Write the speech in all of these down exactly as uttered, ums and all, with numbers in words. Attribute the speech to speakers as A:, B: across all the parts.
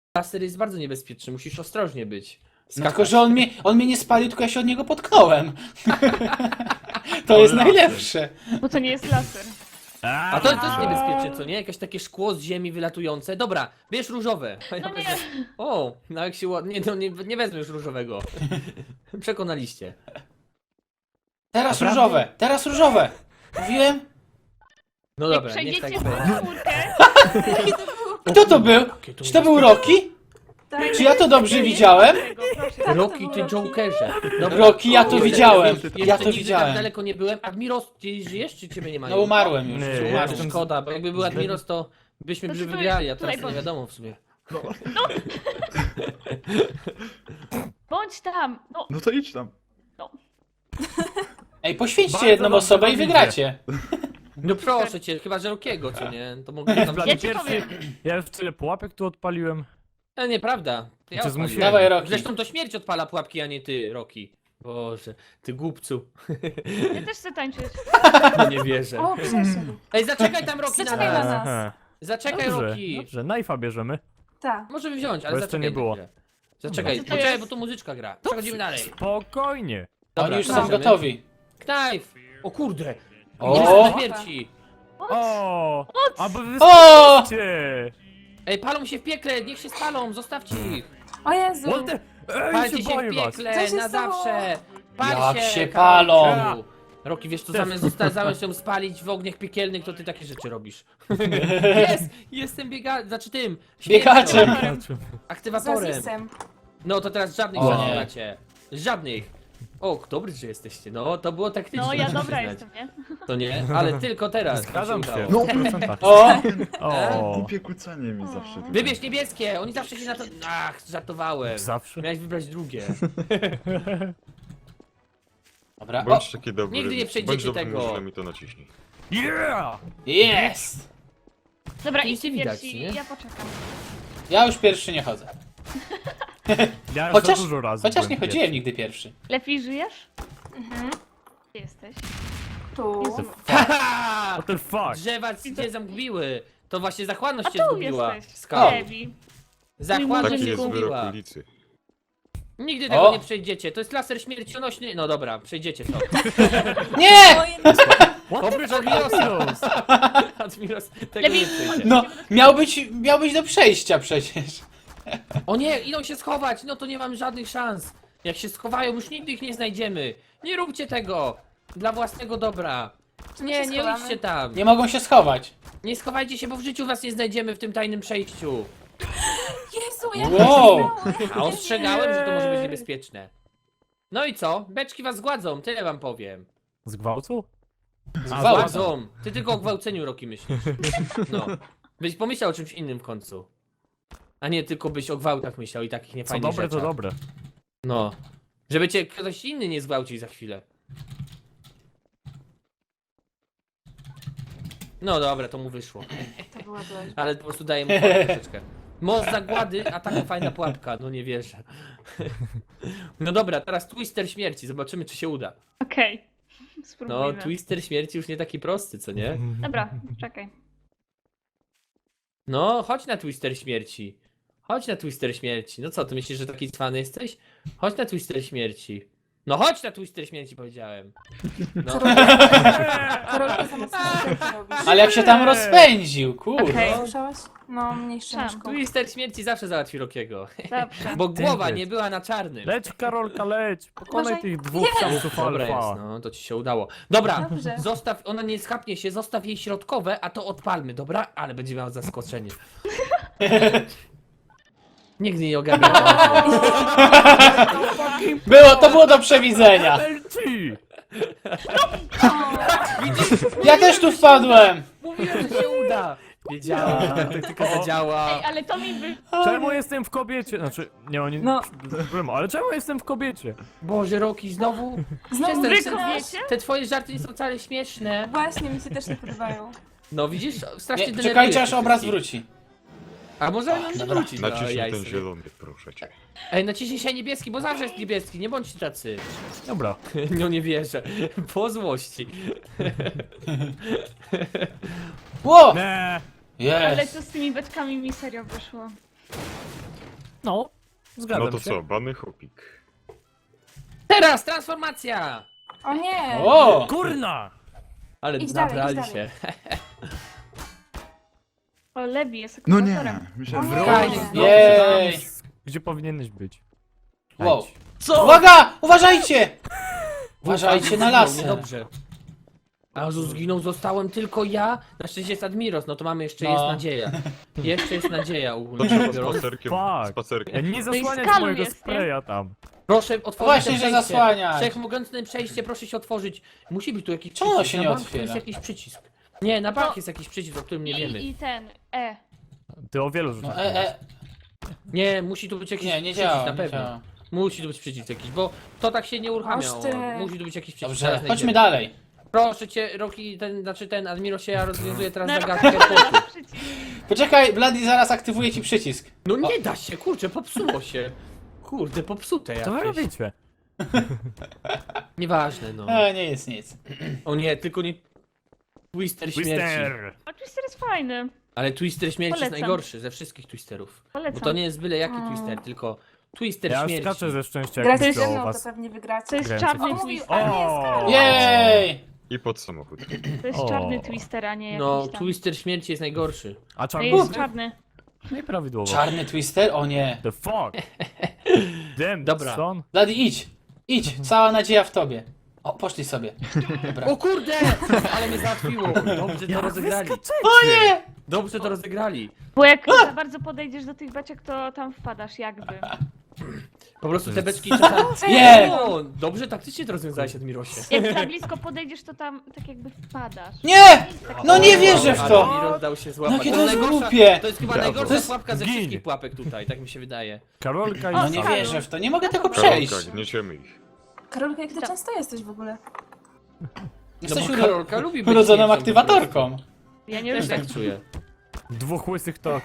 A: Laser jest bardzo niebezpieczny, musisz ostrożnie być.
B: No tylko, że on mnie, on mnie nie spalił, tylko ja się od niego potknąłem. To
C: Ale
B: jest
C: laser.
B: najlepsze.
D: Bo to nie jest laser.
A: A to, to jest niebezpieczne, co nie? Jakieś takie szkło z ziemi wylatujące. Dobra, bierz różowe. A ja
D: No nie.
A: wezmę- O, no jak się ład... Nie, no nie, nie wezmę już różowego. Przekonaliście.
B: Teraz
A: Naprawdę?
B: różowe, teraz różowe. Mówiłem?
A: No
D: Jak
A: dobra, niech tak
D: przejdziecie
A: będzie.
D: w czwórkę,
B: Kto to był?
A: Jakie to
B: Czy to był Rocky?
E: Tak.
B: Czy ja to dobrze widziałem?
D: tego, proszę.
A: Rocky, ty Jokerze. Dobra.
B: Rocky, ja to
A: Jeszcze-
B: widziałem.
A: jeszcze
B: Ja to
A: nigdy
B: widziałem.
A: tak daleko nie byłem. Admiros, ty żyjesz, czy ciebie nie ma?
B: No umarłem już.
C: Nie,
A: Umarł,
C: ja
B: Umarłem.
C: jestem-
A: szkoda, bo jakby był Admiros, to byśmy
D: To
A: by
D: czy to
A: wygrali, a
D: jest
A: teraz
D: tutaj
A: to nie
D: bądź?
A: wiadomo w sumie.
D: Bądź tam. No,
C: No to idź tam.
B: Ej, poświęćcie
C: Bardzo
B: jedną
C: dobrze
B: osobę i
C: wam idzie.
B: wygracie.
A: No proszę cię, chyba że Rokiego, co nie? To mogę tam...
C: Dla
D: Ja
C: mnie
D: ci
C: pierwszy,
D: powiem.
C: ja już tyle pułapek tu odpaliłem.
A: E, nieprawda. To ja
C: Cię
A: odpaliłem.
C: zmusiłem.
B: Dawaj, Rocky.
A: Zresztą to śmierć odpala pułapki, a nie ty, Roki. Boże, ty głupcu.
D: ja też chcę tańczyć.
A: No nie wierzę.
E: O, przeszedł.
A: Ej, zaczekaj tam Roki na
E: Zaczekaj na
A: nas.
E: nas.
C: Aha.
A: Zaczekaj
C: Dobrze,
A: Roki.
C: dobrze, knife'a bierzemy.
E: Tak.
A: Możemy wziąć, ale
C: Bo jeszcze
A: zaczekaj
C: nie było.
A: na chwilę. Zaczekaj,
D: Co to
A: poczekaj,
D: jest?
A: bo tu muzyczka gra. Przechodzimy dalej.
C: Spokojnie.
A: Dobra,
B: Oni już są
A: możemy.
B: gotowi.
A: Knife! O kurde!
B: O!
A: O! śmierci!
C: O, aby wy
B: O!
C: spcie.
A: Ej, palą się w piekle, niech się spalą, zostawcie ich!
E: O Jezu.
C: What the... Ej,
A: Palcie
C: się
A: się w
C: boję was.
A: piekle,
E: Co się
A: na
E: stało?
A: zawsze! Pal
B: Jak
A: się,
B: się
A: Karolu.
B: palą.
A: Roki, wiesz co,
C: Też.
A: zamiast, zosta- zamiast ją spalić w ogniach piekielnych, to ty takie rzeczy robisz. Jest! Jestem biega... znaczy tym!
B: Biegaczem.
A: śmiercią, Aktywatorem.
E: Zazisem.
A: No to teraz żadnych
B: O
A: rzeczy
B: nie.
A: macie. Żadnych. O, dobry, że jesteście. No, to było taktyczne.
D: No, ja
A: muszę
D: dobra
A: przyznać.
D: jestem, nie?
A: To nie, ale tylko teraz.
C: Zgadzam
A: mi
C: się.
A: udało.
C: No, w procentach.
B: O!
C: O,
F: Głupie kucanie mi zawsze tutaj.
A: Wybierz niebieskie, oni zawsze się na to... Ach, żartowałem.
C: zawsze.
A: Miałeś wybrać drugie.
B: Dobra, o!
F: Bądź taki dobry.
A: Nigdy nie przejdziecie
F: bądź dobrym
A: tego.
F: żulem i to naciśnij.
C: Yeah!
B: Jest!
D: Dobra,
A: Nic
D: idźcie
A: nie widać,
D: pierwsi,
A: nie?
D: ja poczekam.
B: Ja już pierwszy nie chodzę.
C: Ja już
B: Chociaż,
C: za dużo razy
B: chociaż
C: byłem
B: nie chodziłem nigdy pierwszy.
D: Lepiej żyjesz?
E: Mhm.
D: Gdzie jesteś?
E: Tu.
C: pierwszy.
A: Haha!
C: What the fuck?
A: Drzewa cię zamgbiły. To właśnie zachłanność
D: A
A: cię
D: tu
A: zgubiła.
D: jesteś.
A: Skał.
D: Lewi.
A: Zachłanność
F: Taki
A: cię
F: jest wyrok
A: zgubiła.
F: ulicy.
A: Nigdy tego
B: O!
A: nie przejdziecie. To jest laser śmiercionośny. No dobra, przejdziecie to.
B: Nie!
A: Oprócz Admirosa. Admiros tego
D: Lepiej
A: nie przejdzie.
B: No, miał być, miał być do przejścia przecież.
A: O nie, idą się schować. No to nie mam żadnych szans. Jak się schowają, już nigdy ich nie znajdziemy. Nie róbcie tego. Dla własnego dobra.
E: Czy my
A: Nie,
E: się
A: nie
E: schowamy?
A: idźcie tam.
B: Nie mogą się schować.
A: Nie schowajcie się, bo w życiu was nie znajdziemy w tym tajnym przejściu.
E: Jezu, jak
B: Wow.
A: A ostrzegałem, że to może być niebezpieczne. No i co? Beczki was zgładzą, tyle wam powiem.
C: Z gwałtu?
A: A
B: Zgwałcą.
A: zgładzą. Ty tylko o gwałceniu, Roki, myślisz. No. Byś pomyślał o czymś innym w końcu. A nie tylko byś o gwałtach myślał i takich
C: Co
A: niefajnych
C: dobre, to
A: rzeczach.
C: dobre.
A: No. Żeby cię ktoś inny nie zgwałcił za chwilę. No dobra, to mu wyszło.
E: To była dość.
A: Ale po prostu daję mu pułapkę troszeczkę. Most zagłady, a taka fajna pułapka, no nie wierzę. No dobra, teraz Twister śmierci, zobaczymy czy się uda.
D: Okej.
A: No,
D: Spróbujmy.
A: Twister śmierci już nie taki prosty, co nie?
D: Dobra, czekaj.
A: No, chodź na Twister śmierci. Chodź na Twister śmierci. No co, ty myślisz, że taki cwany jesteś? Chodź na Twister śmierci. No chodź na Twister śmierci, powiedziałem. No.
E: Karolka za mocno rzeczy robisz.
B: Ale jak się tam rozpędził, kurde.
D: Okej.
E: Słyszałaś? No, mniejsze
D: Tam,
E: myszką.
A: Twister śmierci zawsze załatwi Rokiego.
D: Dobrze.
A: Bo głowa
C: Tępy.
A: nie była na czarnym.
C: Leć, Karolka, leć! Pokonaj
E: Uważaj.
C: tych dwóch samców
A: Dobra jest,
C: alfa.
A: no to ci się udało. Dobra,
E: Dobrze.
A: zostaw, ona nie schapnie się, zostaw jej środkowe, a to odpalmy, dobra? Ale będzie miała zaskoczenie. Nigdy nie ogarnia.
B: Było, to było do przewidzenia.
C: Leci!
B: Ja też tu wpadłem.
A: Mówiłem, że się uda. Wiedziałem, że ta taktyka zadziała.
D: Ej, ale to mi by...
C: Czemu jestem w kobiecie? Znaczy, nie, oni...
E: No.
C: No. Ale czemu jestem w kobiecie?
A: Boże, Roki, znowu?
E: Znowu
D: Wy
A: Przestań,
D: kobiecie?
A: te twoje żarty nie są wcale śmieszne.
E: Właśnie, mi się też nie podobają.
A: No widzisz, strasznie
B: Nie,
A: denerwujesz
B: czekajcie aż
A: tych
B: obraz
A: wszystkich.
B: wróci.
A: A może nam nie wrócić, no,
F: Naciśnij
A: jajce.
F: ten zielony, proszę cię.
A: Ej, naciśnij się niebieski, bo zawsze jest niebieski, nie bądźcie tacy.
C: Dobra.
A: No nie wierzę, po złości.
B: Ło!
C: Nie.
D: Ale
B: Jest.
D: co z tymi beczkami mi serio wyszło?
C: No, zgadzam
F: No to
C: się.
F: co, bany chopik.
A: Teraz transformacja!
E: O nie!
B: O!
C: Kurna!
A: Ale
E: Idź dalej,
A: nabrali
E: idź
A: się.
E: dalej.
D: O, Levi jest
F: No
D: aktywatorem.
F: nie, myślałem,
E: O
F: że...
E: nie.
A: Fajnie,
C: No,
B: Jej!
C: tam, gdzie powinieneś być?
B: Wow.
C: Tańcz.
A: Co?
B: Uwaga! Uważajcie! Uważajcie na lasy.
A: Dobrze. A Jezu, zginął, zostałem tylko ja. Na szczęście jest Admiros, no to mamy jeszcze
B: No.
A: jest nadzieja. Jeszcze jest nadzieja
F: To
A: ogólnie.
F: trzeba
A: rzecz biorąc.
F: spacerkiem,
C: Fuck.
F: spacerkiem.
C: Nie
D: No i
C: zasłaniać
D: skalu
C: mojego
D: jest, nie?
C: spraya tam.
A: Proszę otworzyć
B: Właśnie,
A: to
B: że
A: przejście.
B: zasłaniać.
A: Wszechmogącne przejście, proszę się otworzyć. Musi być tu jakiś
B: Czemu
A: przycisk.
B: się nie
A: na bank
B: otwiera?
A: jest jakiś przycisk. Nie, na bank
D: No.
A: jest jakiś przycisk, o którym nie wiemy.
D: I, I ten, E.
C: Ty o wielu
B: No
C: rzeczach
B: e, e,
A: Nie, musi tu być jakiś
B: nie, nie
A: przycisk,
B: działa,
A: na
B: nie
A: pewno.
B: działa.
A: Musi tu być przycisk jakiś, bo to tak się nie uruchamia.
E: Aż ty.
A: Musi tu być jakiś przycisk.
B: Dobrze,
A: zaraz
B: chodźmy
A: znajdziemy.
B: dalej.
A: Proszę cię, Roki, ten, znaczy ten Admiro się ja rozwiązuję teraz
D: No,
A: zagadkę kłopotu.
D: przycisk.
B: Poczekaj, Bloody zaraz aktywuje ci przycisk.
A: No nie da się, kurczę, popsuło się. Kurde, popsute
C: Co wy
A: jakieś.
C: robicie?
A: Nieważne, no.
B: E, nie jest nic.
A: O nie, tylko nie... Twister śmierci.
C: Twister!
D: A Twister jest fajny.
A: Ale Twister śmierci jest
D: Polecam.
A: najgorszy ze wszystkich Twisterów.
D: Polecam.
A: Bo to nie jest byle jaki
E: Mm.
A: Twister, tylko Twister
C: Ja
A: śmierci.
C: skaczę ze szczęścia, jak
E: Gracie
C: myślę
E: ze
C: o
E: mną, to
C: was.
E: pewnie wygracie.
D: To jest
C: Grałem
D: czarny
E: O, mówił,
D: Twister.
E: a nie,
C: O!
E: Skaro.
B: Jej!
F: I pod samochód.
D: To jest
C: O.
D: czarny Twister, a nie jakiś
A: No,
D: tam.
A: Twister śmierci jest najgorszy.
C: A
D: To
C: czarny
D: jest czarny.
C: No i prawidłowo.
B: Czarny twister? O nie.
C: The fuck? Damn,
A: Dobra.
C: son.
B: Bloody, idź. Idź, cała nadzieja w tobie. O, poszli sobie. Dobra.
A: O kurde! Ale mnie załatwiło. Dobrze to rozegrali.
B: O nie!
A: Dobrze to rozegrali.
D: Bo jak za bardzo podejdziesz do tych beczek, to tam wpadasz jakby.
A: Po prostu te beczki czasami...
B: Nie!
A: O, dobrze taktycznie to rozwiązałeś, Admirosie.
D: Jak za blisko podejdziesz, to tam tak jakby wpadasz.
B: Nie! No nie wierzę w to!
A: Admiros dał się złapać.
B: Jakie to jest
A: najgorsza-
B: głupie!
A: To jest chyba
F: Brawo.
A: najgorsza
B: To jest-
A: pułapka ze
C: Gin.
A: wszystkich pułapek tutaj, tak mi się wydaje.
C: Karolka i
B: No nie
C: Sara.
B: wierzę w to, nie mogę tego przejść.
F: Karolka, gniesiemy ich.
E: Karolka, jak ty często jesteś w ogóle?
A: No
B: Jesteś
A: bo
B: uro-
A: Karolka lubi być
B: urodzoną
A: śmiercią
B: aktywatorką.
D: Ja nie
A: po prostu.
D: lubię.
A: Tak czuję.
C: Dwóch łysych to...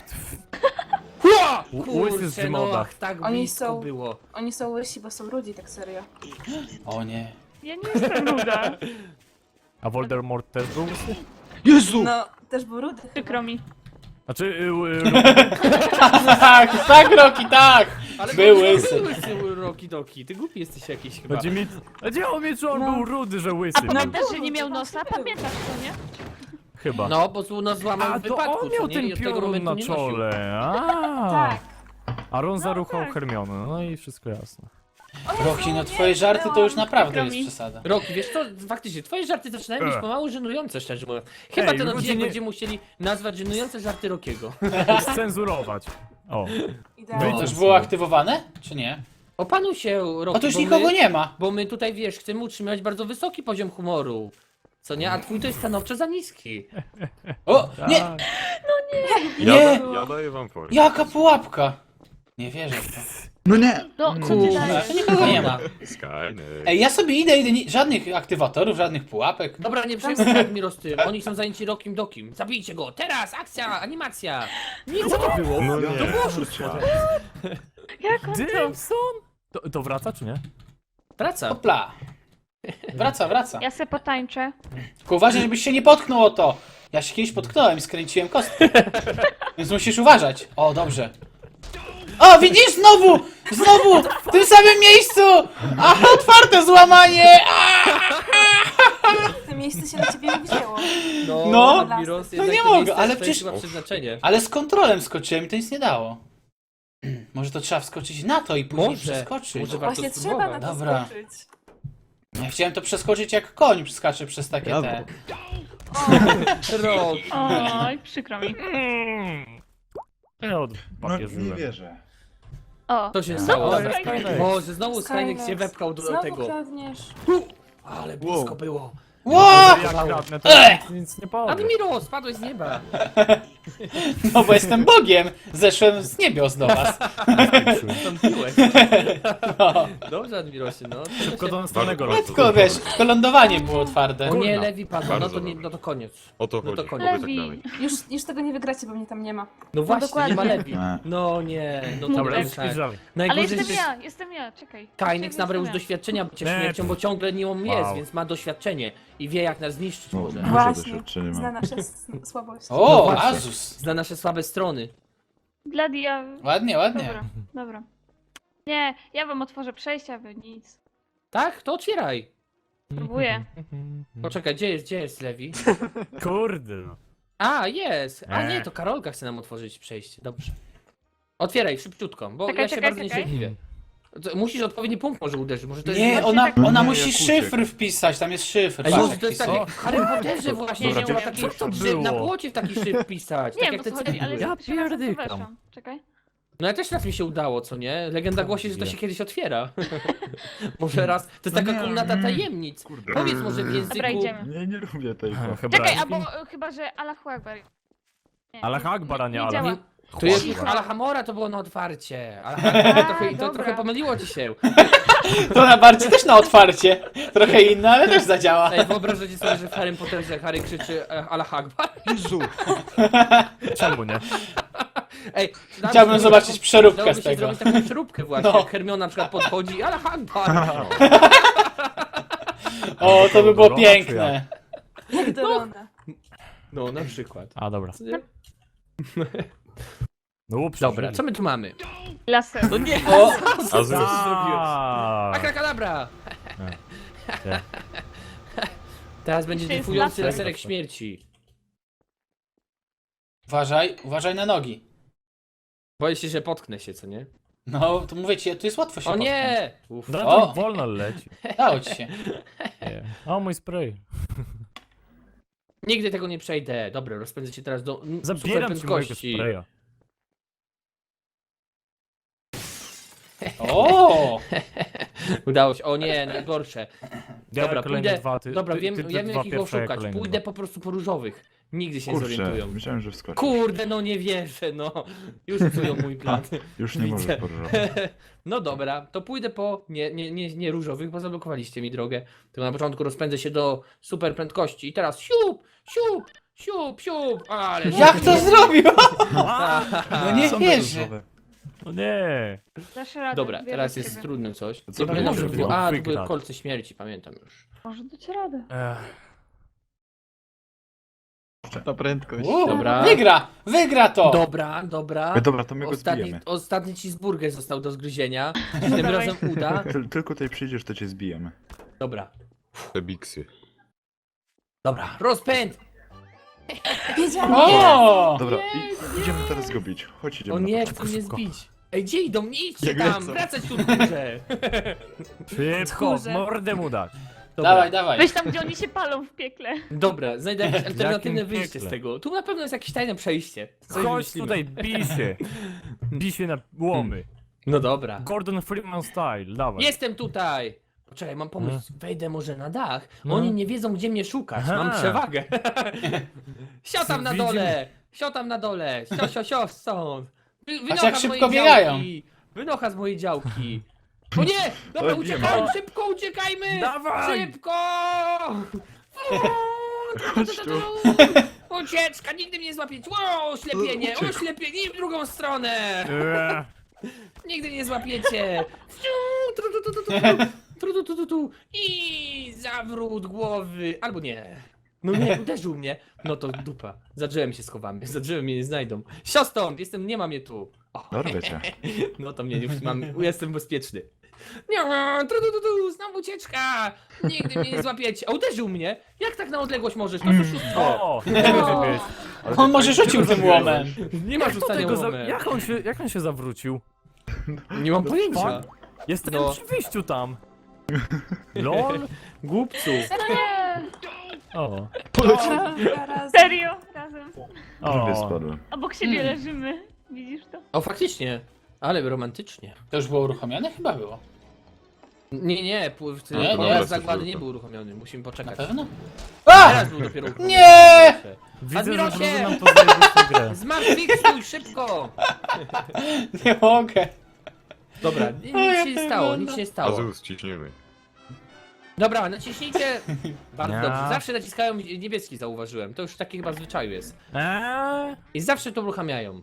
A: Kurczę,
C: z
A: no
C: Gmoda.
A: ach, tak
E: Oni
A: blisko
E: są-
A: było.
E: Oni są łysi, bo są ludzi, tak serio.
B: O nie.
D: Ja nie jestem ruda.
C: A Voldemort też był łysy?
F: Jezu!
E: No, też był rudy.
D: Przykro mi.
C: Znaczy... Y, y,
B: Tak, tak, Roki, tak!
A: Ale
B: Był
A: bo-
B: łysy.
A: Był łysy Roki Doki, ty głupi jesteś jakiś chyba.
C: chodzi mi... Chodzi o mnie, czy on
E: No.
C: był rudy, że
D: A
C: łysy był?
D: pamiętasz, że
E: był,
D: nie miał
E: to
D: nosa?
E: właśnie był.
D: Pamiętasz to, nie?
C: Chyba.
A: No, bo tu nas złamał
C: A
A: w
C: to
A: wypadku,
C: on miał
A: co nie?
C: ten
A: I od tego
C: piorun
A: momentu
C: na
A: nie nosił.
C: czole. A.
E: Tak.
C: A Ron
D: No
C: zaruchał
D: tak.
C: Hermionę, no i wszystko jasne.
E: O Jezu,
B: Roki, no
E: nie,
B: twoje żarty to już
E: byłam.
B: naprawdę
D: Przykro
B: jest
D: mi.
B: przesada.
A: Roki, wiesz co, faktycznie, twoje żarty zaczynają być
C: Ech.
A: pomału żenujące, szczerze mówiąc. Chyba
C: Ej,
A: ten
C: ludzie
A: odcinek
C: nie-
A: będziemy musieli nazwać żenujące żarty Rokiego.
C: Scenzurować. O.
E: Idealnie.
B: To już było aktywowane, czy nie?
A: Opanuj się, Roki,
B: O, tu już
A: bo
B: nikogo
A: my,
B: nie ma.
A: Bo my tutaj, wiesz, chcemy utrzymywać bardzo wysoki poziom humoru. Co nie? A twój to jest stanowczo za niski.
B: O, nie!
C: Tak.
F: Ja,
B: Nie!
F: da, ja daję wam formę.
B: Jaka pułapka! Nie wierzę w to.
F: No nie!
D: No, co ty
A: Kurczę,
D: dajesz?
A: to nikogo nie ma.
F: Skynet.
B: Ej, ja sobie idę, idę, ni- żadnych aktywatorów, żadnych pułapek.
A: Dobra, nie przejmuj się Admiro z tym. Oni są zajęci Rokim Dokim. Zabijcie go! Teraz! Akcja! Animacja! Nie, co to było?
F: No nie.
A: To było oszustwo.
D: Jak on to?
C: Jameson? To, to wraca, czy nie?
A: Wraca.
B: Hopla. Wraca, wraca.
D: Ja se potańczę.
B: Tylko uważaj, żebyś się nie potknął o to. Ja się kiedyś potknąłem i skręciłem kostkę. Więc musisz uważać. O, dobrze. O, widzisz? Znowu! Znowu! W tym samym miejscu! Aha, otwarte złamanie! A!
E: To miejsce się na ciebie nie wzięło.
A: No,
B: No.
A: Admiros,
B: No
A: jednak
B: nie
A: to
B: mogę,
A: miejsce
B: ale
A: to
B: przecież-
A: jest chyba przeznaczenie.
B: Ale z kontrolem skoczyłem i to nic nie dało. Może to trzeba wskoczyć na to i później
A: Może,
B: przeskoczyć.
A: może warto
E: Właśnie trzeba na
A: spróbować.
E: to
B: Dobra.
E: skoczyć.
B: Ja chciałem to przeskoczyć jak koń przeskacze przez takie
F: Brawo.
B: te...
A: Rok.
D: Oj, przykro mi.
C: Mm. Ja od
F: No,
C: papieżyłem.
F: nie wierzę.
D: O,
A: To się
D: no,
A: stało.
D: dobra.
C: Skynet.
A: Może znowu Skynet
E: Skynet.
A: się wepchał do
E: Znowu
A: tego.
E: kradniesz.
A: Ale blisko
F: Wow.
A: było.
B: Ło!
C: Jak kradnę, to
B: Ech!
C: nic, nic nie powiem.
A: Admiro, spadłeś z nieba.
B: No bo jestem Bogiem! Zeszłem z niebios do was.
A: Wstąpiłeś.
B: No.
A: Dobrze, Admirosie, no.
C: Szybko do następnego
F: Bardzo,
C: roku.
B: Tylko wiesz, tylko lądowanie było otwarte.
A: O nie,
C: Kurna.
A: Lewi padł, no
F: Bardzo
A: to, nie,
F: dobrze.
A: no to koniec.
F: O to
A: No to
F: chodzi.
A: koniec.
F: Oby tak
D: Lewi.
F: dalej.
E: Już, już tego nie wygracie, bo mnie tam nie ma.
A: No właśnie,
D: dokładnie.
A: nie ma Lewi.
F: Nie.
A: No nie, no to
C: Dobra,
A: tak.
C: już spojrzałem.
D: Ale
A: Najgorzej,
D: jestem
A: że
D: ja, jestem ja, czekaj.
A: Kainex
D: Jestem
A: nabrał już
D: ja.
A: doświadczenia bycia
C: Nie.
A: śmiercią, bo ciągle nią jest,
C: Wow.
A: więc ma doświadczenie i wie jak nas zniszczyć
F: No,
A: może.
F: Duże
E: Właśnie,
F: doświadczenie mam.
E: zna nasze s- słabości.
B: O,
A: No właśnie.
B: Azus!
A: Zna nasze słabe strony.
D: Dla ja...
B: Ładnie, ładnie.
D: Dobra, dobra. Nie, ja wam otworzę przejście, a wy nic.
A: Tak? To otwieraj.
D: Próbuję.
A: Poczekaj, gdzie jest, gdzie jest Lewi?
C: Kurde no.
A: A, jest! A nie,
C: Eee.
A: to Karolka chce nam otworzyć przejście, dobrze. Otwieraj, szybciutko, bo
D: Czekaj,
A: ja się
D: czekaj,
A: bardzo
D: czekaj.
A: niecierpliwie. To Musisz odpowiedni punkt może uderzyć, może to jest...
B: Nie,
D: Właśnie
B: ona,
D: tak-
B: ona
F: Nie,
B: musi
F: jak
B: szyfr
F: uciekł.
B: wpisać, tam jest szyfr.
A: Ej,
B: patrz,
A: może
B: jak
A: to jest tak
B: wpisuje.
A: jak w Harry Potterze właśnie,
F: Dobra,
A: że ma
F: gdzie-
A: taki,
C: co to
A: że na
C: było?
A: płocie w taki szyb pisać,
D: Nie
A: tak
D: wiem,
A: jak
D: o
A: te
D: co chodzi, ale
A: cegły.
C: Ja
D: ja pierwszy raz na to
C: pierdykam.
D: weszłam. Czekaj.
A: No ja też raz mi się udało, co nie? Legenda głosi, że to
C: Nie.
A: się kiedyś otwiera. Może raz, to jest
F: No
A: taka
F: nie,
A: komnata
F: mm.
A: tajemnic.
F: Kurde.
A: Powiedz może w języku...
D: Dobra, idziemy.
F: Nie, nie lubię tego.
C: Chyba
D: Czekaj, albo e, chyba, że Allahu Akbar. Nie,
C: Allah Akbar, a nie
D: nie
C: Allah.
D: działa.
A: To jest
D: Cicho.
A: Alhamora, to było na otwarcie. Alhamora, trochę, to
D: dobra.
A: trochę pomyliło ci się.
B: To na bardziej też na otwarcie. Trochę inne, ale też zadziała.
A: Ej, wyobrażacie sobie, że w Harry Potterze jak Harry krzyczy e, Allah Akbar?
F: Jezu!
C: Czemu nie?
A: Ej, dałoby
B: Chciałbym
A: się
B: zobaczyć
A: taką-
B: przeróbkę
A: dałoby
B: z
A: się
B: tego.
A: zrobić taką przeróbkę właśnie,
B: No.
A: jak Hermiona na przykład podchodzi Allah Akbar.
B: O, to by było
C: Dolona, czy
B: piękne.
E: Jak do Rona.
A: No, na przykład.
C: A dobra.
A: Co nie?
C: No ups,
A: Dobra, co my tu mamy?
D: Laser.
A: No nie,
B: O,
A: co ty zrobiłeś?
C: Tak.
A: Akrakadabra!
C: Nie.
A: Teraz będzie
D: Jeszcze jest
A: dryfujący
D: laser.
A: laserek śmierci.
B: uważaj, uważaj na nogi.
A: Boję się, że potknę się, co nie?
B: No, to mówię ci, tu jest łatwo się
A: O
B: potknąć.
A: nie! Uf.
C: No
B: O!
C: to wolno leci.
B: Dało ci się.
C: Nie. O, mój spray.
A: Nigdy tego nie przejdę. Dobra, rozpędzę się teraz do mm, super
C: Zabieram ci mojego
A: prędkości.
C: spraya.
B: O!
A: Udało się. O nie, najgorsze.
C: Ja
A: Dobra,
C: kolejne
A: pójdę.
C: dwa, ty,
A: Dobra,
C: ty,
A: wiem,
C: ty, ty
A: wiem
C: dwa
A: jak ich
C: pierwsze, ja
A: oszukać.
C: kolejne
A: Pójdę
C: dwa.
A: po prostu po różowych. Nigdy się nie
F: Kurczę,
A: zorientują.
F: myślałem, że wskoczy.
A: Kurde, no nie wierzę, no. Już psują mój plan.
F: Już nie
A: Widzę.
F: możesz poróżować.
A: No dobra, to pójdę po nie, nie, nie, nie różowych, bo zablokowaliście mi drogę. To na początku rozpędzę się do super prędkości i teraz siup, siup, siup, siup, ale...
B: Jak to zrobił?
A: A,
B: No nie
F: Są
B: wierzę.
F: różowe.
C: No nie.
D: Dasz radę.
A: Dobra,
D: wierzę
A: teraz
D: w
A: jest
D: ciebie.
A: trudnym coś.
F: Co
A: Nie
F: to
A: pamiętam,
F: może
A: że było...
C: być?
A: A, to były
C: Wygrać.
A: kolce śmierci, pamiętam już.
D: Może dać radę.
C: Ech.
F: Na prędkość.
B: U,
A: Dobra.
B: Wygra! Wygra to!
A: Dobra, dobra.
F: Ej, dobra, to my go
A: Ostatni,
F: zbijemy.
A: ostatni cheeseburger został do zgryzienia. Tym
D: Dawaj.
A: razem uda.
F: Tyl- Tylko tutaj przyjdziesz, to cię zbijemy.
A: Dobra,
F: Te biksy.
A: dobra, rozpęd!
E: Wiedziałam.
B: O!
F: Dobra, i, idziemy teraz go bić. Chodź, idziemy
A: O
F: na
A: nie,
F: początek.
A: chcą mnie
C: szybko.
A: zbić. Ej, gdzie idą? Nie idźcie
F: Jak
A: tam,
F: lecą.
A: wracać tu w górze.
C: Szybko,
E: Tchórze.
C: mordę mu dać.
A: Dobra,
B: Dawaj, dawaj.
D: Weź tam, gdzie oni się palą w piekle.
A: dobra, znajdę jakieś alternatywne
C: Jakim
A: wyjście z
C: piekle?
A: tego. Tu na pewno jest jakieś tajne przejście. Coś
C: Chodź
A: wymyślimy.
C: tutaj, bij się. Bij się na łomy.
A: No dobra.
C: Gordon Freeman style, dawaj.
A: Jestem tutaj! Poczekaj, mam pomysł. Wejdę może na dach.
C: No.
A: Oni nie wiedzą, gdzie mnie szukać.
C: Aha.
A: Mam przewagę. Sio tam na
C: Widzimy.
A: dole! Sio tam na dole! Sio, sio, sio, stąd! Wy,
B: jak
A: wynocha z
B: szybko
A: mojej
B: biegają.
A: działki! Wynocha z mojej działki! O nie! Dobra,
F: Ale
A: uciekajmy!
C: bijemy.
A: Szybko uciekajmy!
C: Dawaj!
A: Szybko!
F: Chodź tu.
A: Ucieczka! Nigdy mnie nie złapiecie! O, oślepienie!
F: Uciekł.
A: Oślepienie! I w drugą stronę!
C: Ech.
A: Nigdy nie złapiecie! Tru, tru, tu, tu, tu, tu. Tru, tu, tu, tu, tu. I zawrót głowy! Albo nie. No nie, uderzył mnie. No to dupa. Za drzewem się schowamy. Za drzewem mnie nie znajdą. Sio stąd! Jestem, nie ma mnie tu. O,
F: Dorwę cię.
A: no to mnie już mam, jestem bezpieczny. Nie, tru, tu, tu, tu, znowu ucieczka! Nigdy mnie nie złapiecie. A uderzył mnie? Jak tak na odległość możesz? To oszustwo.
C: O, nie może być.
F: Ale
B: On
F: ty-
B: może
F: ty
B: rzucił
F: go
B: tym
F: zabiłeś.
B: łomem.
A: Nie ma
C: Jak, to
A: rzucania
C: tego za...
A: łomem.
C: jak, on się, jak on się zawrócił?
A: Nie mam pojęcia.
C: Jestem
A: No.
C: przy wyjściu tam. Lol.
A: Głupcu.
D: Nie.
C: O.
E: Zaraz.
D: Serio? Razem.
F: Prawie
C: O.
F: spadłem.
D: Obok siebie
B: Hmm.
D: leżymy. Widzisz to?
A: O, faktycznie. Ale romantycznie.
B: To już było uruchomione? Chyba było.
A: Nie, nie, pł- w
B: Nie,
A: nie,
B: nie.
A: nie. Zagłady nie był uruchomiony, musimy
B: Na
A: poczekać.
B: pewno? A!
A: Teraz był dopiero uruchomiony.
B: Nie!
C: Widzę, że
A: Admirosie!
C: drużyna nam to zajebistą grę.
A: Zmartwychwstój, szybko!
B: Nie mogę.
A: Dobra, ni- nic się nie stało, nic się nie stało.
F: Azus, ciśniemy.
A: Dobra, naciśnijcie. Bardzo
C: Nie.
A: dobrze, zawsze naciskają niebieski, zauważyłem. To już taki chyba w zwyczaju jest.
C: Eee?
A: I zawsze to uruchamiają.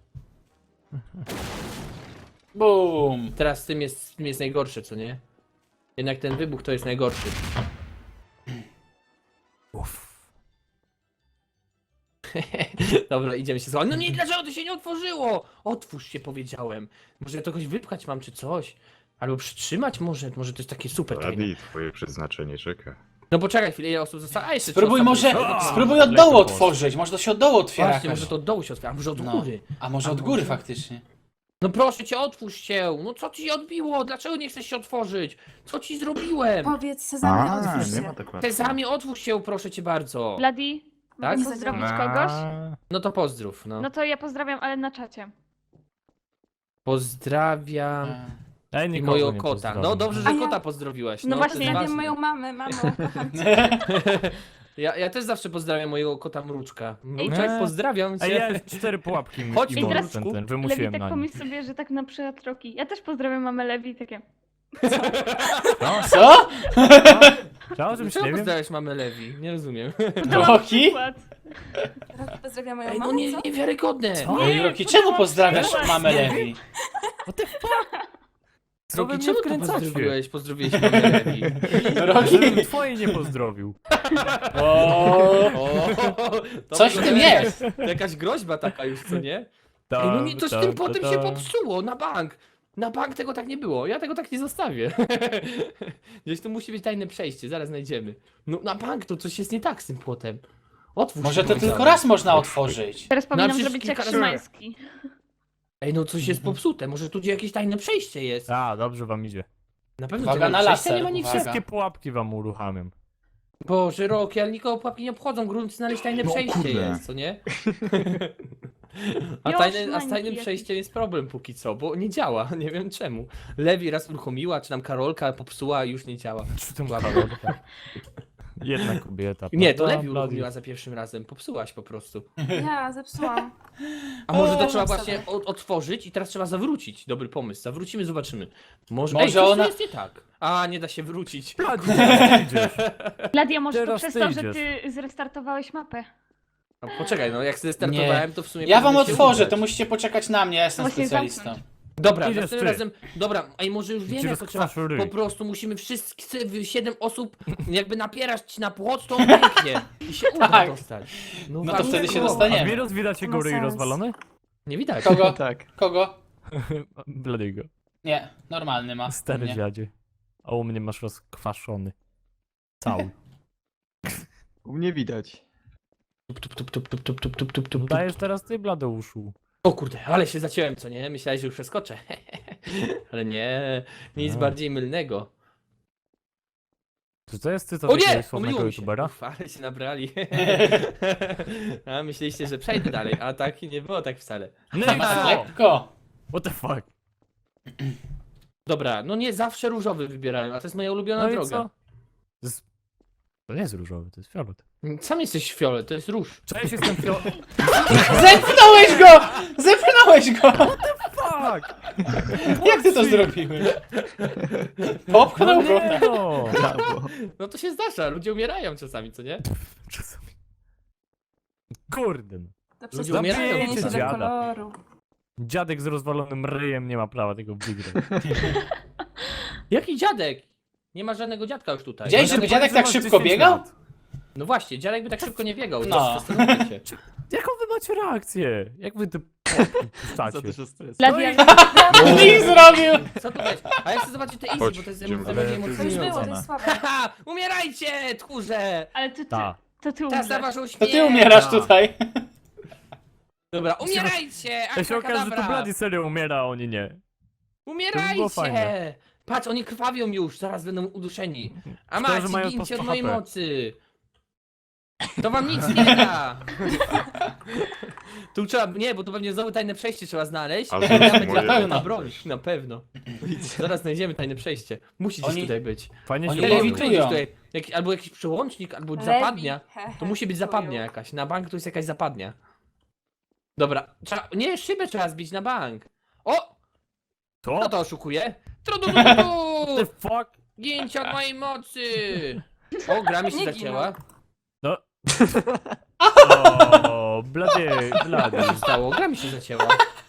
B: Bum.
A: Teraz z tym jest, z tym jest najgorsze, co nie? Jednak ten wybuch to jest najgorszy.
C: Uff.
A: Dobra, idziemy się schować. No nie, dlaczego to się nie otworzyło? Otwórz się, powiedziałem. Może ja to kogoś wypchać mam, czy coś? Albo przytrzymać może? Może to jest takie super tajne.
F: Adi, twoje przeznaczenie czeka.
A: No poczekaj chwilę, ile osób zostało? A jeszcze
B: Spróbuj
A: trzy
B: może,
A: osoby zostały.
B: spróbuj od
C: lekko
B: dołu
C: poszło.
B: otworzyć, może to się od dołu otwiera
A: Właśnie,
B: jakoś.
A: może to od dołu się otwiera, a może od
B: No.
A: góry.
B: A może
A: A
B: od góry
A: może?
B: faktycznie.
A: No proszę cię, otwórz się! No co ci się odbiło? Dlaczego nie chcesz się otworzyć? Co ci zrobiłem?
E: Powiedz Sezamie, otwórz
F: nie ma
E: się.
F: tak łatwo.
A: Sezamie, otwórz się, proszę cię bardzo.
D: Bloody,
A: Tak?
D: mogę pozdrowić kogoś?
A: No to pozdrów, no.
D: No to ja pozdrawiam, ale na czacie.
A: Pozdrawiam
C: Ej,
A: i
C: nikogo
A: mojego
C: nie
A: kota.
C: pozdrowię.
A: No dobrze, że
E: A ja-
A: kota pozdrowiłaś.
D: No
A: No,
D: właśnie,
A: to jest
E: Ja wiem
A: ważne.
E: moją mamę, mamo, kocham cię.
A: Ja, ja też zawsze pozdrawiam mojego kota Mruczka. Mruczek,
C: Nie.
A: pozdrawiam
C: Ej,
A: cię.
C: ja cztery pułapki mi
A: Chodź
C: i
A: tu,
C: mam
A: Mruczku.
C: ten, ten,
D: Lewi,
C: wymusiłem
D: tak
C: na nim.
D: pomyśl sobie, że tak na przykład Roki. Ja też pozdrawiam mamę Lewi, takie.
C: No,
B: Co?
C: chciałem, żebyś
A: Czego
C: nie wiem.
A: pozdrawiasz mamę Lewi? Nie rozumiem.
B: Roki?
D: Przykład.
E: Roki pozdrawia moją
A: Ej, no
E: mamę,
A: nie,
E: co?
A: niewiarygodne.
C: Co?
B: No i Roki, czemu pozdrawiasz
D: Zobacz,
B: mamę
C: nie.
B: Lewi?
C: What the fuck? Co wy
A: Roki,
C: mnie
A: czemu to
C: wkręcacie?
A: pozdrowiłeś? Pozdrowiłeś mamę Lewi.
B: Roki?
C: Żebym twoje nie pozdrowił.
B: O,
A: O, to
B: coś w tym
A: wygląda-
B: jest.
A: To jakaś groźba taka już, co nie?
C: Ta,
A: Ej, no nie, to z
C: ta,
A: tym
C: ta,
A: potem
C: ta.
A: się popsuło, na bank. Na bank tego tak nie było, ja tego tak nie zostawię. Gdzieś tu musi być tajne przejście, zaraz znajdziemy. No na bank to coś jest nie tak z tym płotem. Otwórz
B: Może
A: się,
B: to
A: powiedziałem.
B: tylko raz można otworzyć.
D: Teraz powinnam
A: przecież
D: zrobić jak
A: kilka razy-
D: Szymański.
A: Ej, no coś jest popsute, może tu gdzie jakieś tajne przejście jest.
C: A, dobrze wam idzie.
A: Na pewno
B: Uwaga
A: tajne
B: na
A: przejścia
B: laser,
A: nie ma nic.
B: uwaga.
C: Wszystkie pułapki wam uruchamiam.
A: Boże, Roki, ale nikogo pułapki nie obchodzą, grunt znaleźć tajne
F: No,
A: przejście
F: kurde.
A: jest, co nie? A,
D: Już,
A: tajne, a z
D: mańki
A: tajnym
D: jakieś.
A: przejściem jest problem póki co, bo nie działa, nie wiem czemu. Lewi raz uruchomiła, czy nam Karolka popsuła i już nie działa.
C: Czy tym Karolka? Jedna kobieta.
A: Nie, to
C: prawda?
A: Lewi
C: Bloody.
A: uruchomiła za pierwszym razem, popsułaś po prostu.
E: Ja zepsułam.
A: A może to
E: O,
A: trzeba
E: sobie.
A: właśnie od, otworzyć i teraz trzeba zawrócić. Dobry pomysł, zawrócimy, zobaczymy. Może,
B: Może
A: Ej, coś tu
B: ona-
A: jest nie tak. A, nie da się wrócić.
C: Bloody, teraz ty idziesz.
D: Ladia, może to
C: Teraz
D: przez
C: ty
D: to, że
C: idziesz.
D: ty zrestartowałeś mapę.
A: No, poczekaj, no jak sobie startowałem, to w sumie
B: Ja wam
A: powinno się
B: otworzę,
A: udać.
B: to musicie poczekać na mnie, ja jestem
D: Właśnie
B: specjalistą.
D: zamknąć.
A: Dobra,
C: Idziesz
A: następnym
C: ty.
A: razem. Dobra, ej, może już wiem,
C: Ci
A: jak to trzeba.
C: rozkwaszu ryj.
A: Po prostu musimy wszyscy siedem osób jakby napierać na płot, to on pięknie. I się uda
B: Tak.
A: dostać.
B: No to
A: właśnie
B: wtedy się
A: tak.
B: dostaniemy.
C: A wirus widać jego
E: Ma
C: ryj
E: sens.
C: rozwalony?
A: Nie widać.
B: Kogo?
G: Tak.
B: Kogo?
C: Bladiego.
B: Nie, normalny ma.
C: Stary
B: Nie.
C: dziadzie. A u mnie masz rozkwaszony. Cały.
G: U mnie widać.
A: Tup, tup, tup, tup, tup, tup, tup, tup, tup, tup.
C: Dajesz teraz ty, Bladeuszu.
A: O kurde, ale się zaciąłem, co nie? Myślałeś, że już przeskoczę. Ale nie, nic
C: No.
A: bardziej mylnego.
C: Czy to jest cytat
A: O nie!
C: jakiegoś sławnego
A: Pomyliło mi się.
C: youtubera?
A: Uf, ale się nabrali. A myśleliście, że przejdę dalej, a tak nie było tak wcale.
B: Nie ma tak
C: No!
B: lekko.
C: What the fuck?
A: Dobra, no nie zawsze różowy wybierałem, a to jest moja ulubiona
C: No i
A: droga.
C: co? To, jest... to nie jest różowy, to jest fiolet.
A: Sam jesteś fiolet, to jest róż.
C: Cześć, jestem fiolet.
B: Zepchnąłeś go! Zepchnąłeś go!
C: Fuck!
B: Jak ty to zrobiłeś? Popchnął
C: No
B: go.
C: nie no!
G: Brawo.
A: No to się zdarza, ludzie umierają czasami, co nie?
C: Czasami. Kurde. no.
E: To
A: Ludzie
E: przez
A: umierają,
E: zmienienie się do
C: dziada.
E: koloru.
C: Dziadek z rozwalonym ryjem nie ma prawa tego wygrać.
A: Jaki dziadek? Nie ma żadnego dziadka już tutaj.
B: Widziałeś, żeby dziadek tak
C: masz
B: szybko
C: dziesięć
B: biegał?
C: lat.
A: No właśnie, dziadek by tak szybko nie biegał,
B: No.
A: no. zastanówcie się.
C: Jaką wy macie reakcję? Jak wy te puszczacie?
G: Za dużo stresu.
D: Ladia,
B: I zrobił!
A: Co tu jest? A ja chcę zobaczyć te easy,
F: Chodź,
A: bo to jest
F: idziemy.
A: bardziej
G: Ale to jest
E: To już było, to
A: emocjonujące.
E: jest słabe.
A: Haha, umierajcie, tchórze!
D: ale to ty,
C: Ta.
D: to ty
A: Czas na
D: umrzesz.
A: waszą
B: To
A: śmierć!
B: ty umierasz
C: A.
B: tutaj.
A: Dobra, umierajcie!
C: Ja się okaże, że to
A: Abracadabra!
C: Bloody serio umiera, a oni nie. To by było fajne.
A: Umierajcie! Patrz, oni krwawią już, zaraz będą uduszeni. A
C: Szkoda, że
A: macie,
C: mają
A: gincie
C: po
A: od mojej
C: H P.
A: mocy! To wam nic nie da! Tu trzeba, nie, bo tu pewnie znowu tajne przejście trzeba znaleźć.
F: Ale
A: I
F: to jest
A: tam będzie
F: moje
A: ta
B: pewno.
A: broń, na pewno. Zaraz znajdziemy tajne przejście. Musi gdzieś
B: Oni-
A: tutaj być.
C: Fajnie
B: Oni
C: się
A: Lewi,
C: bawią.
B: lewitują.
A: gdzieś tutaj, jak, albo jakiś przełącznik, albo zapadnia.
E: Lewi, he, he,
A: To musi być
E: chuju.
A: zapadnia jakaś. Na bank to jest jakaś zapadnia. Dobra, trzeba, nie, szybę trzeba zbić na bank. O!
C: To?
A: Kto to oszukuje?
C: The
A: Trudududu!
C: fuck?
A: Gięcie od mojej mocy! O, gra mi się
E: Nie
A: zacięła.
C: No. O, Bloody, Bloody.
A: Co się stało? Gra mi się zacięła.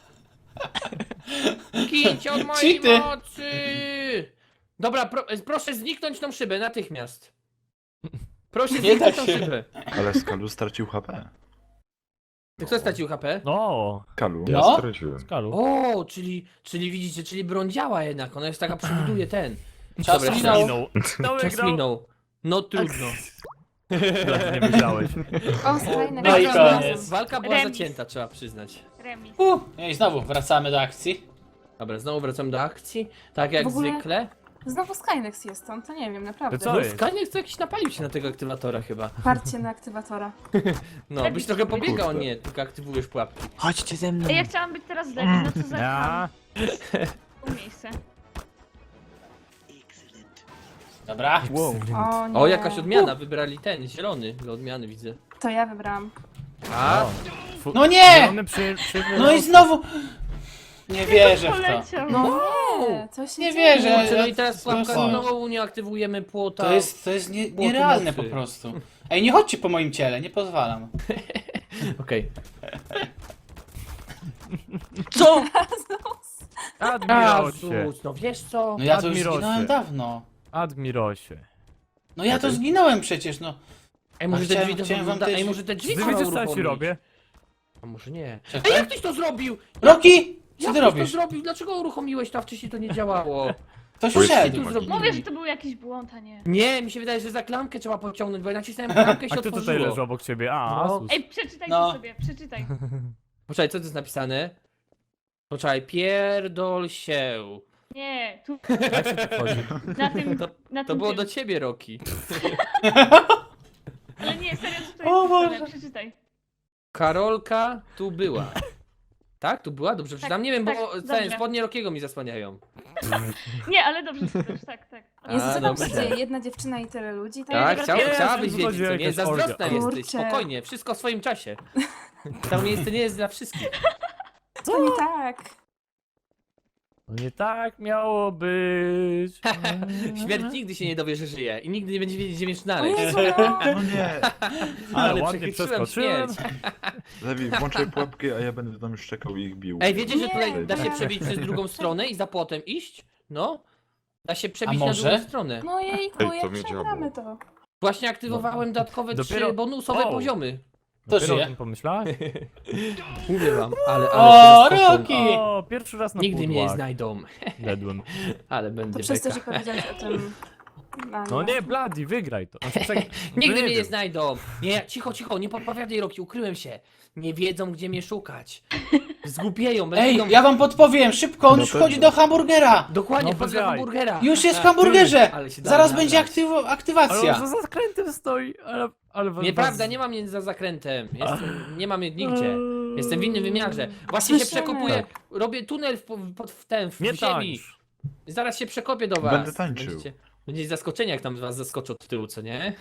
A: Gięcie od mojej
B: Cheaty.
A: mocy! Dobra, pro, proszę zniknąć tą szybę natychmiast. Proszę
B: Nie da
A: zniknąć tą
B: się.
A: szybę.
F: Ale Skalu stracił H P.
A: Kto stracił H P?
C: No,
F: Kalu.
B: No.
F: Ja straciłem.
C: skalu.
A: O, czyli, czyli widzicie, czyli broń działa jednak, ona jest taka, przebuduje ten.
B: Czas
A: Dobra,
B: minął.
C: Minął. No
A: Czas
C: wygrał.
A: minął. No trudno.
C: Nie wygrałeś.
E: O, skrajny
B: No i
A: Walka-
B: koniec.
A: Walka była
D: Remis.
A: zacięta, trzeba przyznać.
D: Remis.
B: Uh, no i znowu wracamy do akcji.
A: Dobra, znowu wracamy do akcji. Tak jak
E: W ogóle-
A: zwykle.
E: Znowu Skynex jest on, to nie wiem, naprawdę.
C: To co
A: No,
C: jest?
A: Skynet to jakiś napalił się na tego aktywatora chyba.
E: Parcie na aktywatora.
A: No,
D: Lepiej
A: byś trochę
D: spróbuj.
A: pobiegał,
F: Kurde.
A: nie, tylko aktywujesz pułapki.
G: Chodźcie ze mną.
D: Ej, ja chciałam być teraz Lady, no co za
C: Ja.
D: tam miejsce.
B: Dobra.
G: Wow.
E: O nie.
A: O, jakaś odmiana, wybrali ten, zielony do odmiany widzę.
E: To ja wybrałam.
A: A,
C: Fu-
B: No nie!
C: Zielony przy, przy...
B: No i znowu... Nie wierzę w to.
D: Poleciał.
E: No nie, coś się
B: Nie
E: dzieje.
B: wierzę.
A: kurczę, no i teraz
B: To
A: pułapka
B: jest-
A: znowu nie aktywujemy płota.
B: To jest, to jest nie,
A: Było
B: nierealne po
A: mocy.
B: prostu. Ej, nie chodźcie po moim ciele, nie pozwalam.
A: Okej. Co?
C: Admirosie.
A: Azus, no wiesz co?
B: No ja to już
C: Admirosie.
B: zginąłem dawno.
C: Admirosie.
B: No ja to zginąłem przecież, no.
A: Ej, może
B: A
A: te
B: chciałem-
A: drzwi to
B: chciałem wam
A: wygląda...
B: też-
A: Ej, może te drzwi
C: Ty
A: trzeba
C: wiecie co ja ci
A: uruchomić.
C: robię?
A: A może nie. Ej,
B: Czekaj.
A: jak ktoś to zrobił?
B: Roki! Co
A: Jak
B: ty
A: ktoś to
B: robisz?
A: zrobił? Dlaczego uruchomiłeś to, a wcześniej to nie działało?
B: Ktoś
F: Błyski
B: wszedł.
A: tu
F: magii.
A: zrobili?
D: Mówię, że to był jakiś błąd, a nie.
A: Nie, mi się wydaje, że za klamkę trzeba pociągnąć, bo ja nacisnąłem klamkę i
C: A
A: się
C: kto tutaj
A: otworzyło.
C: leży obok ciebie? A,
A: No.
C: Asus.
D: Ej, przeczytaj
B: No.
D: to sobie, przeczytaj.
A: Poczekaj, co to jest napisane? Poczekaj, pierdol się.
D: Nie, tu
C: Jak się to wchodzi?
D: na tym,
A: To-
D: na
A: To
D: tym
A: było
D: tym.
A: do ciebie, Roki.
D: Ale nie, serio, co to
B: O
D: jest
B: Boże.
D: napisane? Przeczytaj.
A: Karolka tu była. Tak? Tu była? Dobrze przeczytam? Nie wiem, bo
D: tak,
A: całe
D: dobrze.
A: spodnie Rokiego mi zasłaniają.
D: Nie, ale dobrze czytasz, tak, tak.
A: A,
E: Jezu, co tam
A: dobra.
E: się dzieje? Jedna dziewczyna i tyle ludzi? To
A: Tak,
D: dobra,
A: chciała,
D: teraz
A: chciałabyś
C: już
A: wiedzieć, co
C: wychodzi
A: nie?
C: jakaś
A: Zazdrosna
C: orgia.
A: jesteś,
E: Kurczę.
A: spokojnie, wszystko w swoim czasie. To miejsce nie jest dla wszystkich.
E: To nie tak.
C: No nie tak miało być.
A: Śmierć nigdy się nie dowie, że żyje i nigdy nie będzie wiedzieć, gdzie mnie
E: O
A: znaleźć.
E: Jezu, no.
F: No nie!
C: Ale ładnie
A: przechytrzyłem
C: przeskoczyłem.
A: śmierć.
F: Lewi, włączaj pułapki, a ja będę tam szczekał i ich bił.
A: Ej, wiecie, że
E: Nie,
A: tutaj da się
E: tak.
A: przebić przez drugą stronę i za płotem iść? No. Da się przebić
B: A
A: na
B: może?
A: drugą stronę.
E: No jejku,
F: Ej, to
E: jak
F: mnie
E: przegramy to.
A: Właśnie aktywowałem dodatkowe
C: Dopiero-
A: trzy bonusowe
C: O.
A: poziomy.
B: To
C: Dopiero o
B: żyje.
C: tym pomyślałeś?
A: Mówię wam, ale, ale
B: O,
A: się zaskoczą.
B: Roki!
C: O, pierwszy raz na
A: Nigdy mnie nie
C: pudłach.
A: znajdą,
C: Dedłem.
A: ale
E: To
A: będę
E: przez to,
A: beka.
E: że powiedziałeś o tym... A,
C: No nie, Bloody, wygraj to. Znaczy, tak,
A: Nigdy
C: nie
A: mnie nie
C: wiem.
A: znajdą. Nie, cicho, cicho, nie podpowiadaj, Roki, ukryłem się. Nie wiedzą, gdzie mnie szukać. Zgłupieją,
B: Ej,
A: będą...
B: ja wam podpowiem, szybko, on
F: No
B: już
F: pewnie.
B: wchodzi do hamburgera!
A: Dokładnie,
C: No
A: wchodzę
C: bez
A: do
C: jaj.
A: hamburgera.
B: Już jest w
A: Tak.
B: hamburgerze!
A: Ale się da
B: Zaraz
A: nagrać.
B: będzie aktywo-
C: Ale
B: aktywacja.
C: on za zakrętem stoi, ale... ale was-
A: Nieprawda,
C: was-
A: nie mam mnie za zakrętem. Jestem, nie mam mnie nigdzie. Jestem w innym wymiarze. Właśnie się
E: Słyszymy.
A: przekopuję. Robię tunel w, pod w ten, w
C: Nie
A: ziemi.
C: tańcz.
A: Zaraz się przekopię do was.
F: Będę tańczył.
A: Będziecie, będziecie zaskoczeni, jak tam was zaskoczę od tyłu, co nie?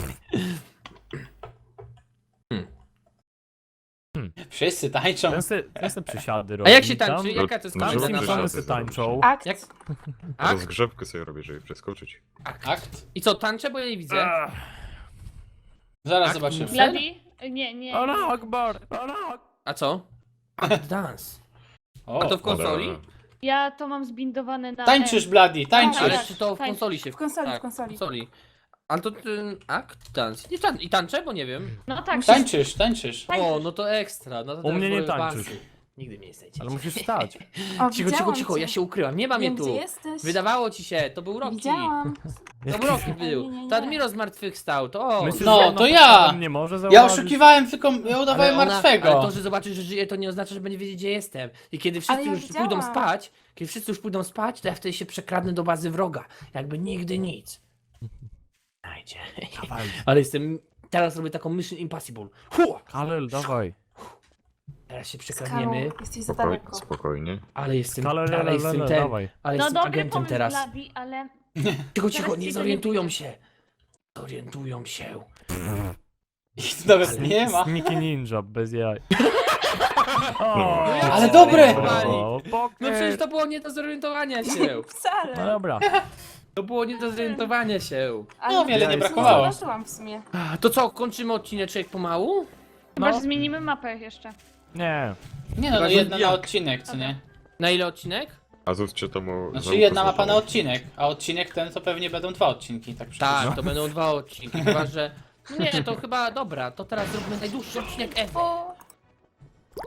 B: Wszyscy tańczą.
C: Ten se, ten se przysiady
A: A
C: robi.
A: jak się
C: tam.
A: tańczy? Jaka to jest
F: No,
C: Tam
F: żeby
A: komenda
C: z
A: na
C: nim
F: przysiady
C: same se tańczą.
E: Akt.
A: Jak? Akt?
F: Rozgrzewkę sobie robię, żeby przeskoczyć.
B: Akt.
A: I co, tańczę, bo ja nie widzę.
C: Ach,
B: Zaraz
A: Akt
B: zobaczymy.
A: muszę?
D: Bloody? Nie, nie.
C: Allah Akbar, Allah.
A: A co? Akt dance.
B: O,
A: A to w konsoli?
F: Ale-
D: Ja to mam zbindowane na...
B: tańczysz, Bloody,
D: Tak,
A: Ale
B: tańczysz.
D: tak.
A: czy to w
D: tańczy.
A: konsoli się...
E: W konsoli,
A: tak,
E: w konsoli.
A: konsoli. Ale to ten akt dance. Nie tan I tańczę, bo nie wiem.
D: No tak.
B: Tańczysz, tańczysz.
A: O, no to ekstra. No to
C: U
A: teraz
C: mnie nie
A: wolę
C: tańczysz.
A: bansy. Nigdy mnie nie znajdziecie.
C: Ale musisz stać.
E: O,
A: Cicho, cicho,
E: widziałam
A: cicho,
E: cię.
A: ja się ukryłam, nie mam
E: Wiem,
A: mnie
E: gdzie
A: tu.
E: jesteś.
A: Wydawało ci się, to był Rocky.
E: Widziałam.
A: To był Rocky był.
E: Nie, nie, nie.
A: To Admiro zmartwychwstał, to o.
C: Myślisz,
B: No,
C: że ona
B: to
C: pod
B: ja.
C: spodem nie może
B: Ja
C: zauważyć?
B: oszukiwałem, tylko ja udawałem
A: ona-
B: martwego.
A: ale to, że zobaczy, że żyje, to nie oznacza, że będzie wiedzieć, gdzie jestem. I kiedy wszyscy
E: Ale ja
A: już
E: widziałam.
A: pójdą spać, kiedy wszyscy już pójdą spać, to ja wtedy się przekradnę do bazy wroga. Jakby nigdy nic. Znajdzie.
C: Dawaj.
A: Ale jestem... Teraz robię taką Mission Impossible. Hu!
C: Kalel, dawaj.
A: Teraz się
E: Skarą,
A: przekradniemy,
E: jesteś za
F: Spokoj,
E: daleko.
F: spokojnie.
A: ale jestem...
C: Kalel,
A: Ale jestem ten...
C: dawaj.
A: Ale
D: No
A: jestem
D: dobry
A: agentem
D: pomysł,
A: teraz.
D: Bloody, ale...
A: Cicho,
D: Teraz
A: cicho,
D: ci
A: nie
D: to
A: zorientują
D: nie
A: się. Zorientują się.
B: Ich nawet nie ma.
C: Sneaky Ninja, bez jaj. O,
B: Ale dobre!
C: o,
A: No przecież
C: poker.
A: to było nie do zorientowania się.
C: No
E: Wcale.
C: dobra.
A: To było nie do zorientowania się.
E: Ale
B: No, wiele
E: ja
B: nie
E: nic
B: brakowało.
E: Nie zobaczyłam w sumie.
A: A, to co, kończymy odcineczek pomału?
D: Chyba,
C: No.
D: że zmienimy mapę jeszcze.
C: Nie.
B: Nie no, no
A: Chyba, że
B: jedna na
A: jak?
B: odcinek, co nie?
A: Na ile odcinek?
F: Azus, czy to mu...
B: Znaczy
F: znowu
B: jedna mapa na
F: pozwalało?
B: odcinek, a odcinek ten to pewnie będą dwa odcinki, tak przecież.
A: Tak, to będą dwa odcinki, chyba że... No nie, to chyba dobra, to teraz zróbmy najdłuższy odcinek ever.
E: O,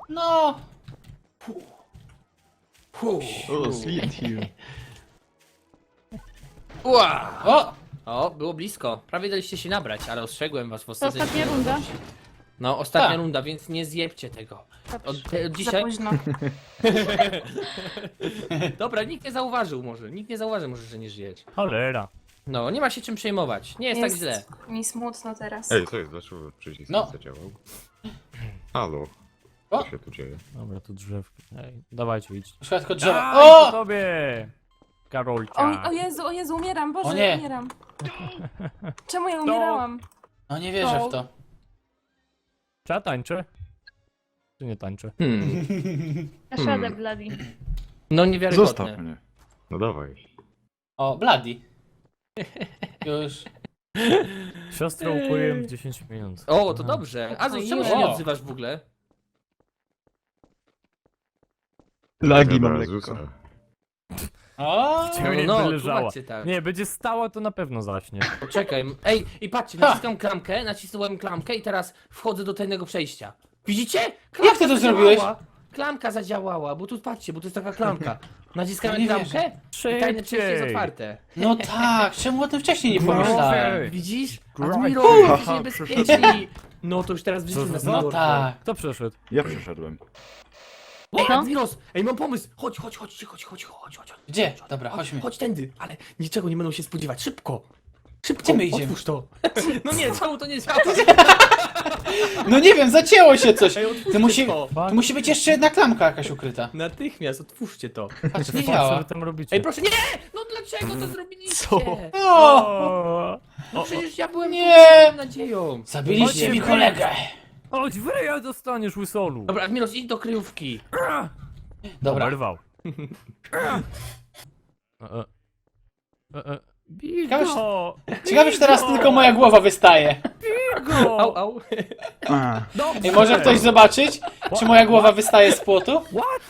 B: No!
A: Fu.
G: O, sweet you.
A: Ua.
B: O!
A: O, było blisko. Prawie daliście się nabrać, ale ostrzegłem was w
D: To
A: ostatniej
D: ostatnia runda.
A: No, ostatnia
B: Tak.
A: runda, więc nie zjebcie tego. Od, te, od
E: Za
A: dzisiaj...
E: późno.
A: Dobra, nikt nie zauważył może. Nikt nie zauważy może, że nie żyjecie.
C: Cholera.
A: No, nie ma się czym przejmować. Nie jest, tak źle.
E: mi smutno teraz.
H: Ej, co jest? Dlaczego przycisk
B: No.
H: nie zadziałał? Halo?
B: O.
H: Co się tu dzieje?
C: Dobra, tu drzewki. Ej, dawajcie, idź.
B: Szkoda tylko drzewa.
C: Aj, po
B: O!
C: tobie! Karolcia.
E: O, o Jezu, o Jezu, umieram, Boże,
B: O nie.
E: umieram. Czemu ja umierałam?
B: No nie wierzę w to.
C: Czy ja tańczę? Czy nie tańczę?
A: Hmm.
D: Dasz radę, Bloody.
A: No niewiarygodne.
F: Zostaw mnie.
H: No dawaj.
B: O, Bloody. Już.
C: Siostrę ukuję w dziesięć minut.
A: O, to dobrze. A czemu się nie
B: O.
A: odzywasz w ogóle?
G: Lagi mam
H: Dobra,
G: lekko.
H: Zusa.
B: O!
C: Ciebie nie
A: no,
C: wyleżała.
A: tłumaczcie tak.
C: Nie, będzie stała, to na pewno zaśnie.
A: Poczekaj. Ej, i patrzcie, naciskam klamkę, nacisnąłem klamkę i teraz wchodzę do tajnego przejścia. Widzicie? Klamka
B: Jak ty to
A: zadziałała.
B: zrobiłeś?
A: Klamka zadziałała, bo tu patrzcie, bo to jest taka klamka. Naciskamy
B: Nie
A: klamkę i tajne przejście jest
C: Szybciej.
A: otwarte.
B: No tak, czemu o tym wcześniej nie pomyślałem?
C: Ej.
A: Widzisz?
C: Grind.
A: Admiro,
F: Haha,
A: jesteście niebezpieczni. No to już teraz wrzucimy
C: Co
A: na
C: za-
B: No
A: no
B: tak.
C: Kto przeszedł?
F: Ja przeszedłem.
A: Ej,
D: No.
A: Admiros! Ej, mam pomysł! Chodź, chodź, chodź, chodź, chodź, chodź, chodź.
B: Gdzie? Dobra, chodźmy.
A: Chodź tędy, ale niczego nie będą się spodziewać. Szybko! Szybko,
B: Gdzie my idziemy?
A: otwórz to. No nie, czemu to nie działa?
B: No nie wiem, zacięło się coś.
A: Ej,
B: To
A: otwórzcie
B: musi,
A: to.
B: to musi być jeszcze jedna klamka jakaś ukryta.
A: Natychmiast, otwórzcie to.
B: Patrz, nie
C: Co
B: działa.
C: wy tam robicie?
A: Ej, proszę, nie! No dlaczego to zrobiliście?
G: Co?
B: O!
C: O!
A: No przecież ja byłem
B: Nie!
A: z nadzieją.
B: Zabiliście
C: Chodźcie,
B: mi
C: wy-
B: kolegę.
C: Chodź, w ryja dostaniesz łysolu!
A: Dobra, Admiros, idź do kryjówki.
B: Dobra.
C: Oberwał. E, e. E, e.
B: Ciekawe,
C: Bigo!
B: Ciekawe, że teraz tylko moja głowa wystaje.
C: Bigo!
A: Au, au.
F: A,
C: Dobrze!
B: Ej, może ktoś zobaczyć, czy moja głowa wystaje z płotu?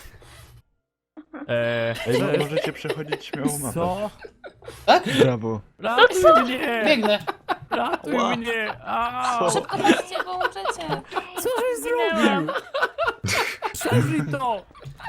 C: Eee,
F: ej, no,
C: cześć.
F: możecie przechodzić śmiało mapę.
C: Co?
G: Brawo.
C: Ratuj mnie!
B: Biegnę.
C: Ratuj
F: Ła.
C: mnie! Au!
E: Szybko patrzcie, bo umrzecie.
C: Co żeś zrobił? Przeżyj to!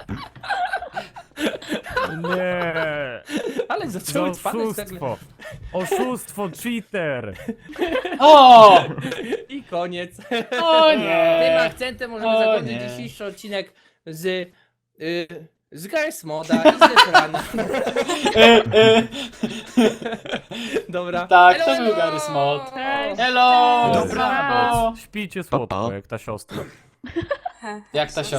C: Nie!
A: Ale
C: To
A: zaczęły spadać nagle.
C: oszustwo! Oszustwo, cheater!
B: O!
A: I koniec.
B: O
A: Tym
B: nie!
A: akcentem możemy
B: O
A: zakończyć
B: nie.
A: dzisiejszy odcinek z... Y, z Garry's Moda i z Zetrana.
B: E, e,
A: Dobra.
B: Tak,
A: Elo,
B: to był
A: elo!
B: Garry's Mod.
D: Cześć.
B: Hello!
C: Dobranoc!
B: Brawo!
C: Śpijcie słodko,
G: Pa, pa.
C: jak ta siostra.
B: Jak ta siostra?